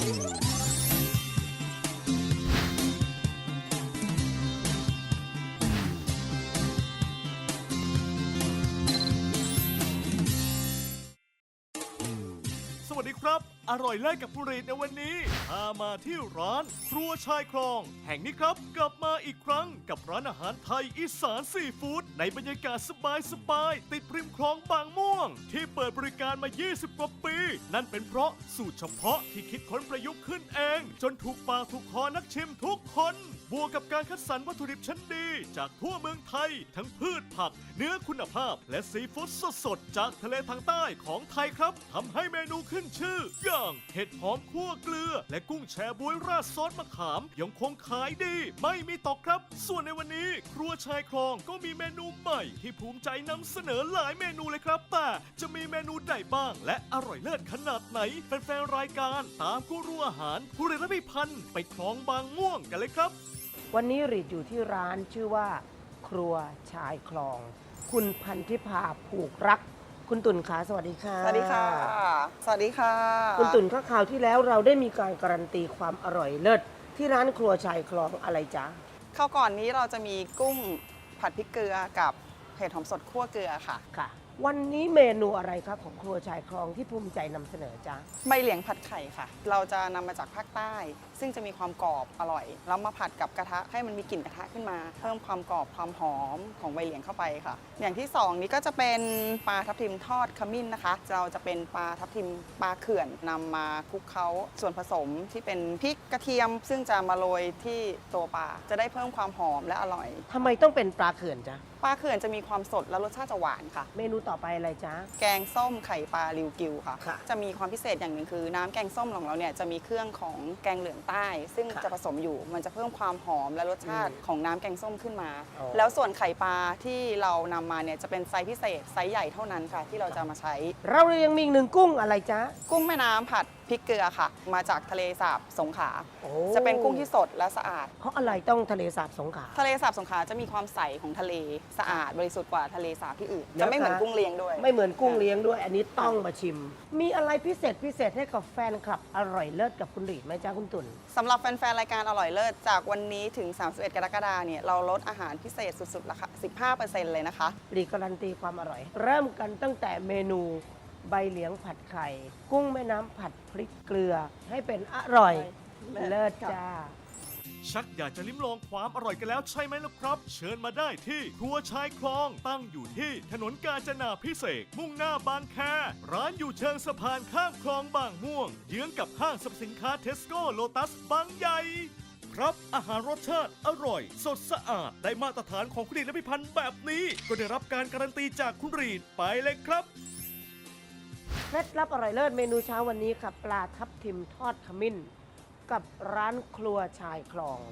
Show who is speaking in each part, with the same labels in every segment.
Speaker 1: สวัสดีครับอร่อยเลิศกับผู้รีดในวันนี้พามาที่ร้านครัวชายคลองแห่งนี้ครับกลับมาอีกครั้งกับร้านอาหารไทยอีสานซีฟู้ดในบรรยากาศสบายๆติดริมคลองบางม่วงที่เปิดบริการมา 20 กว่าปีนั่นเป็นเพราะสูตรเฉพาะที่คิดค้นประยุกต์ขึ้นเองจนถูกปากถูกคอนักชิมทุกคนบวกกับการคัดสรรวัตถุดิบชั้นดีจากทั่วเมืองไทยทั้งพืชผักเนื้อคุณภาพและซีฟู้ดสดๆจากทะเลทางใต้ของไทยครับทำให้เมนูขึ้นชื่ออย่างเห็ดหอมคั่วเกลือและกุ้งแชบ๊วยราดซอสมะขามยังคงขายดีไม่มีตกครับส่วนในวันนี้ครัวชายคลองก็มีเมนูใหม่ที่ภูมิใจนำเสนอหลายเมนูเลยครับแต่จะมีเมนูใดบ้างและอร่อยเลิศขนาดไหนแฟนๆรายการตามกูรูอาหารผู้เรียนและพิพันธ์ไปคลองบางม่วงกันเลยครับ
Speaker 2: วันนี้รีดอยู่ที่ร้านชื่อว่าครัวชายคลองคุณพันธิภาผูกรักคุณตุ่นขาสวัสดีค่ะ
Speaker 3: สวัสดีค่ะสวัสดีค่ะ
Speaker 2: คุณตุ่นข้าข่าวที่แล้วเราได้มีการการันตีความอร่อยเลิศที่ร้านครัวชายคลองอะไรจ๊ะ
Speaker 3: ข้าวก่อนนี้เราจะมีกุ้งผัดพริกเกลือกับเห็ดหอมสดคั่วเกลือค่ะ
Speaker 2: ค่ะวันนี้เมนูอะไรครับของครัวชายคลองที่ภูมิใจนำเสนอจ๊ะ
Speaker 3: ใบเหลียงผัดไข่ค่ะเราจะนำมาจากภาคใต้ซึ่งจะมีความกรอบอร่อยแล้วมาผัดกับกระทะให้มันมีกลิ่นกระทะขึ้นมาเพิ่มความกรอบความหอมของใบเหลียงเข้าไปค่ะอย่างที่2นี้ก็จะเป็นปลาทับทิมทอดขมิ้นนะคะเราจะเป็นปลาทับทิมปลาเขื่อนนำมาคลุกเคล้าส่วนผสมที่เป็นพริกกระเทียมซึ่งจะมาโรยที่ตัวปลาจะได้เพิ่มความหอมและอร่อย
Speaker 2: ทำไมต้องเป็นปลาเขื่อนจ๊ะ
Speaker 3: ปลาเขื่อนจะมีความสดและรสชาติจะหวานค่ะ
Speaker 2: เมนูต่อไปอะไรจ๊ะ
Speaker 3: แกงส้มไข่ปลาริวกิวค่ะ
Speaker 2: ค่ะ
Speaker 3: จะมีความพิเศษอย่างหนึ่งคือน้ำแกงส้มของเราเนี่ยจะมีเครื่องของแกงเหลืองใต้ ซึ่งจะผสมอยู่มันจะเพิ่มความหอมและรสชาติของน้ำแกงส้มขึ้นมา แล้วส่วนไข่ปลาที่เรานำมาเนี่ยจะเป็นไซส์พิเศษไซส์ใหญ่เท่านั้นค่ะที่เราจะมาใช้
Speaker 2: เรายังมีอีกหนึ่งกุ้งอะไรจ๊ะ
Speaker 3: กุ้งแม่น้ำผัดพริกเกลือค่ะมาจากทะเลสาบสงขลา
Speaker 2: โอ้
Speaker 3: จะเป็นกุ้งที่สดและสะอาด
Speaker 2: เพราะอะไรต้องทะเลสาบสงขลา
Speaker 3: ทะเลสาบสงขลาจะมีความใสของทะเลสะอาดบริสุทธิ์กว่าทะเลสาบที่อื่น
Speaker 2: นะคะ
Speaker 3: จะไม่เหมือนกุ้งเลี้ยงด้วย
Speaker 2: ไม่เหมือนกุ้งเลี้ยงด้วยอันนี้ต้องมาชิม มีอะไรพิเศษให้กับแฟนคลับอร่อยเลิศกับคุณหลีดไหมจ๊ะคุณตุ่น
Speaker 3: สำหรับแฟนๆรายการอร่อยเลิศจากวันนี้ถึง31 กรกฎาคมเนี่ยเราลดอาหารพิเศษสุดๆราคา 15% เลยนะคะ
Speaker 2: หลีดการันตีความอร่อย เริ่มกันตั้งแต่เมนูใบเหลียงผัดไข่ กุ้งแม่น้ำผัดพริกเกลือ ให้เป็นอร่อยเลิศจ้า
Speaker 1: ชักอยากจะลิ้มลองความอร่อยกันแล้วใช่ไหมล่ะครับเชิญมาได้ที่ครัวชายคลองตั้งอยู่ที่ถนนกาญจนาภิเษกมุ่งหน้าบางแคร้านอยู่เชิงสะพานข้ามคลองบางม่วงเยื้องกับห้างสรรพสินค้าเทสโก้โลตัสบางใหญ่ครับอาหารรสชาติอร่อยสดสะอาดได้มาตรฐานของคุณรีดและพิพันธ์แบบนี้ก็ได้รับการการันตีจากคุณรีดไปเลยครับ
Speaker 2: เคล็ดลับอร่อยเลิศเมนูเช้าวันนี้ค่ะปลาทับทิมทอดขมิ้นกับร้านครัวชายคลอง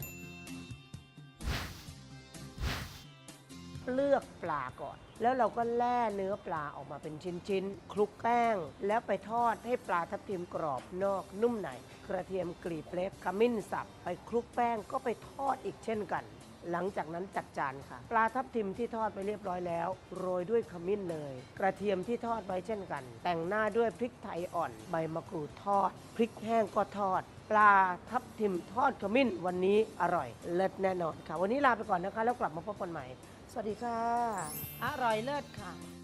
Speaker 2: เลือกปลาก่อนแล้วเราก็แล่เนื้อปลาออกมาเป็นชิ้นๆคลุกแป้งแล้วไปทอดให้ปลาทับทิมกรอบนอกนุ่มในกระเทียมกรีบเล็กขมิ้นสับไปคลุกแป้งก็ไปทอดอีกเช่นกันหลังจากนั้นจัดจานค่ะปลาทับทิมที่ทอดไปเรียบร้อยแล้วโรยด้วยขมิ้นเนยกระเทียมที่ทอดไว้เช่นกันแต่งหน้าด้วยพริกไทยอ่อนใบมะกรูดทอดพริกแห้งก็ทอดปลาทับทิมทอดขมิ้นวันนี้อร่อยเลิศแน่นอนค่ะวันนี้ลาไปก่อนนะคะแล้วกลับมาพบกันใหม่สวัสดีค่ะอร่อยเลิศค่ะ